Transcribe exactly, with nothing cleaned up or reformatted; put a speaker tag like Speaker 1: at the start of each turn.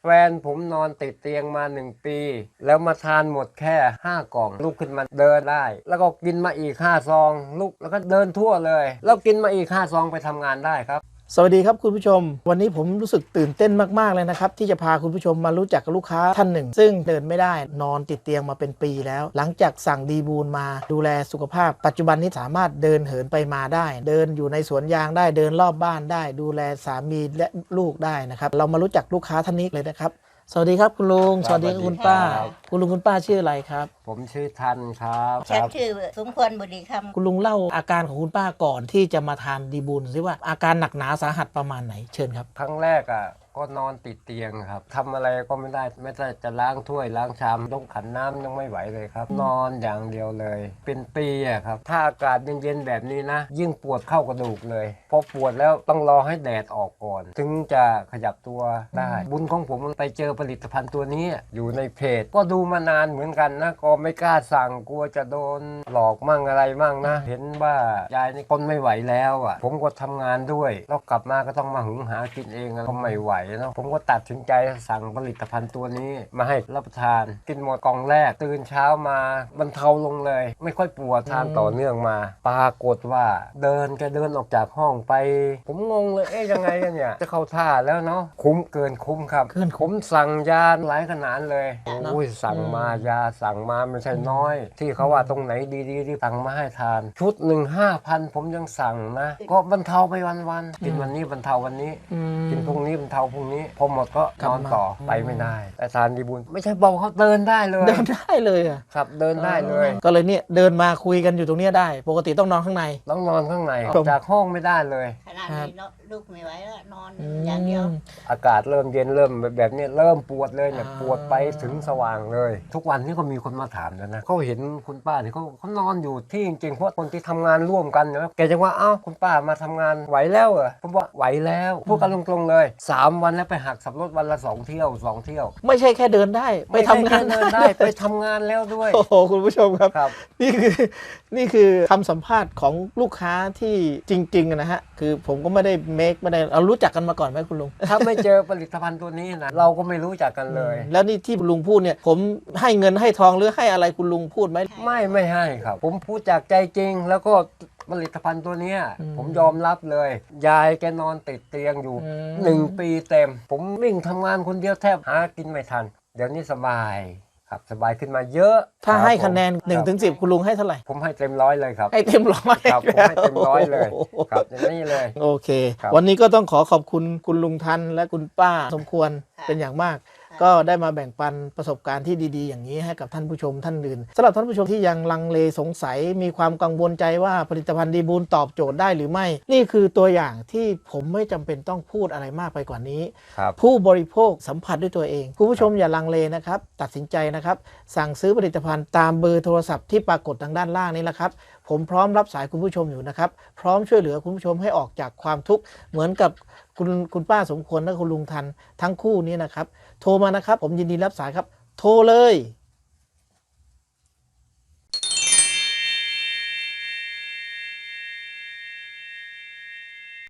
Speaker 1: แฟนผมนอนติดเตียงมาหนึ่งปีแล้วมาทานหมดแค่ห้ากล่องลุกขึ้นมาเดินได้แล้วก็กินมาอีกห้าซองลุกแล้วก็เดินทั่วเลยแล้วกินมาอีกห้าซองไปทำงานได้ครับ
Speaker 2: สวัสดีครับคุณผู้ชมวันนี้ผมรู้สึกตื่นเต้นมากๆเลยนะครับที่จะพาคุณผู้ชมมารู้จักกับลูกค้าท่านหนึ่งซึ่งเดินไม่ได้นอนติดเตียงมาเป็นปีแล้วหลังจากสั่งดีบูลมาดูแลสุขภาพปัจจุบันนี้สามารถเดินเหินไปมาได้เดินอยู่ในสวนยางได้เดินรอบบ้านได้ดูแลสามีและลูกได้นะครับเรามารู้จักลูกค้าท่านนี้เลยนะครับสวัสดีครับคุณลุงสวัสดีคุณป้าคุณลุงคุณป้าชื่ออะไรครับ
Speaker 1: ผมชื่อทันครับ
Speaker 3: ฉันชื่อสมควรบุรีคำ
Speaker 2: คุณลุงเล่าอาการของคุณป้าก่อนที่จะมาทานดีบูลสิว่าอาการหนักหนาสาหัสประมาณไหนเชิญครับ
Speaker 1: ครั้งแรกอ่ะก็นอนติดเตียงครับทำอะไรก็ไม่ได้ไม่ได้จะล้างถ้วยล้างชามต้องขันน้ำยังไม่ไหวเลยครับนอนอย่างเดียวเลยเป็นปีอ่ะครับถ้าอากาศเย็นๆแบบนี้นะยิ่งปวดเข้ากระดูกเลยพอปวดแล้วต้องรอให้แดดออกก่อนถึงจะขยับตัวได้บุญของผมไปเจอผลิตภัณฑ์ตัวนี้อยู่ในเพจก็ดูมานานเหมือนกันนะก็ไม่กล้าสั่งกลัวจะโดนหลอกมั่งอะไรมั่งนะเห็นว่ายายนี่ทนไม่ไหวแล้วอ่ะผมก็ทำงานด้วยแล้วกลับมาก็ต้องมาหุงหากินเองก็ไม่ไหวนะผมก็ตัดสินใจสั่งผลิตภัณฑ์ตัวนี้มาให้รับประทานกินหมดกล่องแรกตื่นเช้ามาบรรเทาลงเลยไม่ค่อยปวดทานต่อเนื่องมาปรากฏว่าเดินแกเดินออกจากห้องไปผมงงเลยเอ๊ยยังไงกันเนี่ยจะเข้าท่าแล้วเนาะคุ้มเกินคุ้มครับผมสั่งยาหลายขนาดเลยโอ้ยสั่งมายาสั่งมาไม่ใช่น้อยที่เขาว่าตรงไหนดีๆที่สั่งมาให้ทานชุดหนึ่งห้าพันผมยังสั่งนะก็บรรเทาไปวันๆกินวันนี้บรรเทาวันนี้กินพรุ่งนี้บรรเทาพรุ่งนี้พอหมดก็นอนต่อไปไม่ได้แต่ทานดีบุญไม่ใช่เบาเขาเดินได้เลย
Speaker 2: เดินได้เลยอ่ะ
Speaker 1: ครับเดินได้เลย
Speaker 2: ก็เลยเนี่ยเดินมาคุยกันอยู่ตรงนี้ได้ปกติต้องนอนข้างใน
Speaker 1: ต้องนอนข้างในจากห้องไม่ได้เลย
Speaker 3: ขนาดนี้ลูกไม่ไหวแล้วนอนอย่างเดียว
Speaker 1: อากาศเริ่มเย็นเริ่มแบบนี้เริ่มปวดเลยเนี่ยปวดไปถึงสว่างเลยทุกวันนี้ก็มีคนมาถามแล้วนะเขาเห็นคุณป้าเนี่ยเขาเขานอนอยู่ที่จริงๆเพราะคนที่ทำงานร่วมกันนะแกจะว่าเอ้าคุณป้ามาทำงานไหวแล้วเหรอผมว่าไหวแล้วพูดกันตรงๆเลยสามวันแล้วไปหักสับรถวันละสองเที่ยวสองเที่ยว
Speaker 2: ไม่ใช่แค่เดินได้ไปทำงาน
Speaker 1: เดินได้ไปทำงานแล้วด้วย
Speaker 2: โอ้โหคุณผู้ชมครับนี่คือนี่คือคำสัมภาษณ์ของลูกค้าที่จริงๆนะฮะคือผมก็ไม่ได้เมคไม่ได้เรารู้จักกันมาก่อนไหมคุณลุง
Speaker 1: ถ้าไม่เจอผลิตภัณฑ์ตัวนี้นะเราก็ไม่รู้จักกันเลย
Speaker 2: แล้วนี่ที่ลุงพูดเนี่ยผมให้เงินให้ทองหรือให้อะไรคุณลุงพูดไหม
Speaker 1: ไม่ไม่ให้ครับผมพูดจากใจจริงแล้วก็ผลิตภัณฑ์ตัวนี้ผมยอมรับเลยยายแกนอนติดเตียงอยู่หนึ่งปีเต็มผมวิ่งทำงานคนเดียวแทบหากินไม่ทันเดี๋ยวนี้สบายครับสบายขึ้นมาเยอะ
Speaker 2: ถ้าให้คะแนนหนึ่งถึงสิบคุณลุงให้เท่าไหร่
Speaker 1: ผมให้เต็มร้อยเลยครับ
Speaker 2: ให้เต็มร้อย
Speaker 1: ครับผมให้เต็มร้อยเลยครับอย่างนี้เลย
Speaker 2: โอเควันนี้ก็ต้องขอขอบคุณคุณลุงทันและคุณป้าสมควรเป็นอย่างมากก็ได้มาแบ่งปันประสบการณ์ที่ดีๆอย่างนี้ให้กับท่านผู้ชมท่านอื่นสำหรับท่านผู้ชมที่ยังลังเลสงสัยมีความกังวลใจว่าผลิตภัณฑ์ดีบูลตอบโจทย์ได้หรือไม่นี่คือตัวอย่างที่ผมไม่จำเป็นต้องพูดอะไรมากไปกว่านี้ผู้บริโภคสัมผัสด้วยตัวเองคุณผู้ชมอย่าลังเลนะครับตัดสินใจนะครับสั่งซื้อผลิตภัณฑ์ตามเบอร์โทรศัพท์ที่ปรากฏทางด้านล่างนี้แหละครับผมพร้อมรับสายคุณผู้ชมอยู่นะครับพร้อมช่วยเหลือคุณผู้ชมให้ออกจากความทุกข์เหมือนกับคุณคุณป้าสมควรและคุณลุงทันทั้งคู่นี้นะครับโทรมานะครับผมยินดีรับสายครับโทรเลย